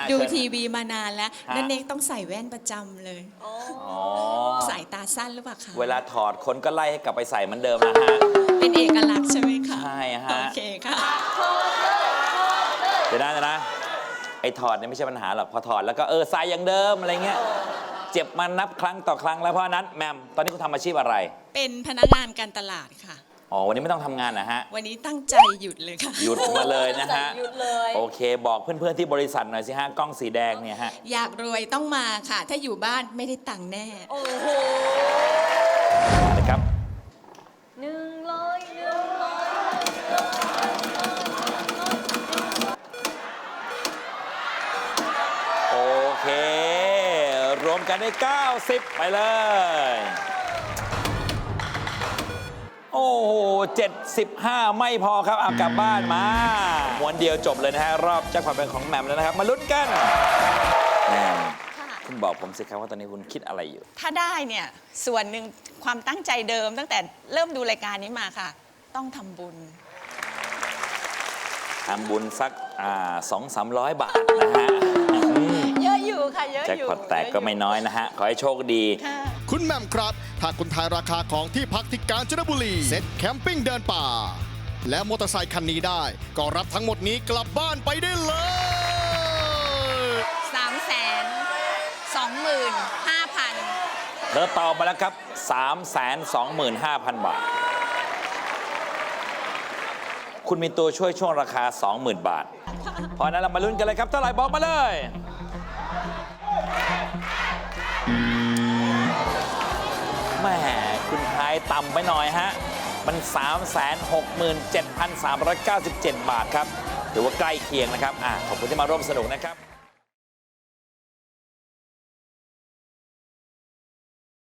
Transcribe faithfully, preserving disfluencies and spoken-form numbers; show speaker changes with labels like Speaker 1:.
Speaker 1: ดู
Speaker 2: เชิญ
Speaker 1: ทีวีมานานแล้ว
Speaker 2: ฮะ
Speaker 1: นั่นเองต้องใส่แว่นประจำเลย
Speaker 2: อ๋อ
Speaker 1: สายตาสั้นหรือเปล่าคะ
Speaker 2: เวลาถอดคนก็ไล่ให้กลับไปใส่เหมือนเดิมนะฮะ
Speaker 1: เป็นเอกลักษณ์ใช่ไหมคะ
Speaker 2: ใช่ฮะ
Speaker 1: โอเคค่ะ
Speaker 2: เดี๋ยวนะเดี๋ยวนะไอ้ถอดเนี่ยไม่ใช่ปัญหาหรอกพอถอดแล้วก็เออใส่อย่างเดิมอะไรเงี้ยเจ็บมานับครั้งต่อครั้งแล้วเพราะฉะนั้นแมมตอนนี้คุณทำอาชีพอะไร
Speaker 1: เป็นพนักงานการตลาดค่ะ
Speaker 2: อ๋อวันนี้ไม่ต้องทำงานนะฮะ
Speaker 1: วันนี้ตั้งใจหยุดเลยค่ะ
Speaker 2: หยุดมาเลยนะฮะ
Speaker 3: หยุดเลย
Speaker 2: โอเคบอกเพื่อนๆที่บริษัทหน่อยสิฮะกล้องสีแดงเนี่ยฮะ
Speaker 1: อยากรวยต้องมาค่ะ ถ้าอยู่บ้านไม่ได้ตังค์แน่
Speaker 3: โอ้โห
Speaker 2: นะครับ
Speaker 3: หนึ่งร้อยหนึ่งร้อย
Speaker 2: โอเค รวมกันได้เก้าสิบไปเลย โอ้โหเจ็ดสิบห้าไม่พอครับเอากลับบ้านมาม้วนเดียวจบเลยนะฮะ รอบแจ็คพอตเป็นของแหม่มแล้วนะครับ มาลุ้นกันแหม่ม
Speaker 1: ค่ะ
Speaker 2: คุณบอกผมสิครับว่าตอนนี้คุณคิดอะไรอยู่ ถ้า
Speaker 1: ถ้าได้เนี่ยส่วนหนึ่งความตั้งใจเดิมตั้งแต่เริ่มดูรายการนี้มาค่ะ ต้องทำบุญ
Speaker 2: ทำบุญสักสองสามร้อยบาทนะฮะอืม
Speaker 1: เยอะอยู่ค่ะเยอะ
Speaker 2: แจ็ค
Speaker 1: อยู่
Speaker 2: พอตแตกก็ไม่น้อยนะฮะ ขอให้โชคดี
Speaker 1: ค่ะ
Speaker 4: คุณแหม่มครับ ถ้าคุณทายราคาของที่พักที่กาญจนบุรี เซ็ตแคมปิ้งเดินป่า และมอเตอร์ไซคันนี้ได้ ก็รับทั้งหมดนี้กลับบ้านไปได้เลย
Speaker 1: สามแสนสองหมื่นห้าพัน
Speaker 2: เธอตอบมาแล้วครับ สามแสนสองหมื่นห้าพัน บาท คุณมีตัวช่วยช่วงราคา สองหมื่น บาท เพราะฉะนั้นเรามาลุ้นกันเลยครับ เท่าไหร่บอกมาเลยแหม่คุณทายต่ำไปหน่อยฮะ มัน สามแสนหกหมื่นเจ็ดพันสามร้อยเก้าสิบเจ็ด บาทครับ ถือว่าใกล้เคียงนะครับอ่ะขอบคุณที่มาร่วมสนุกนะครับ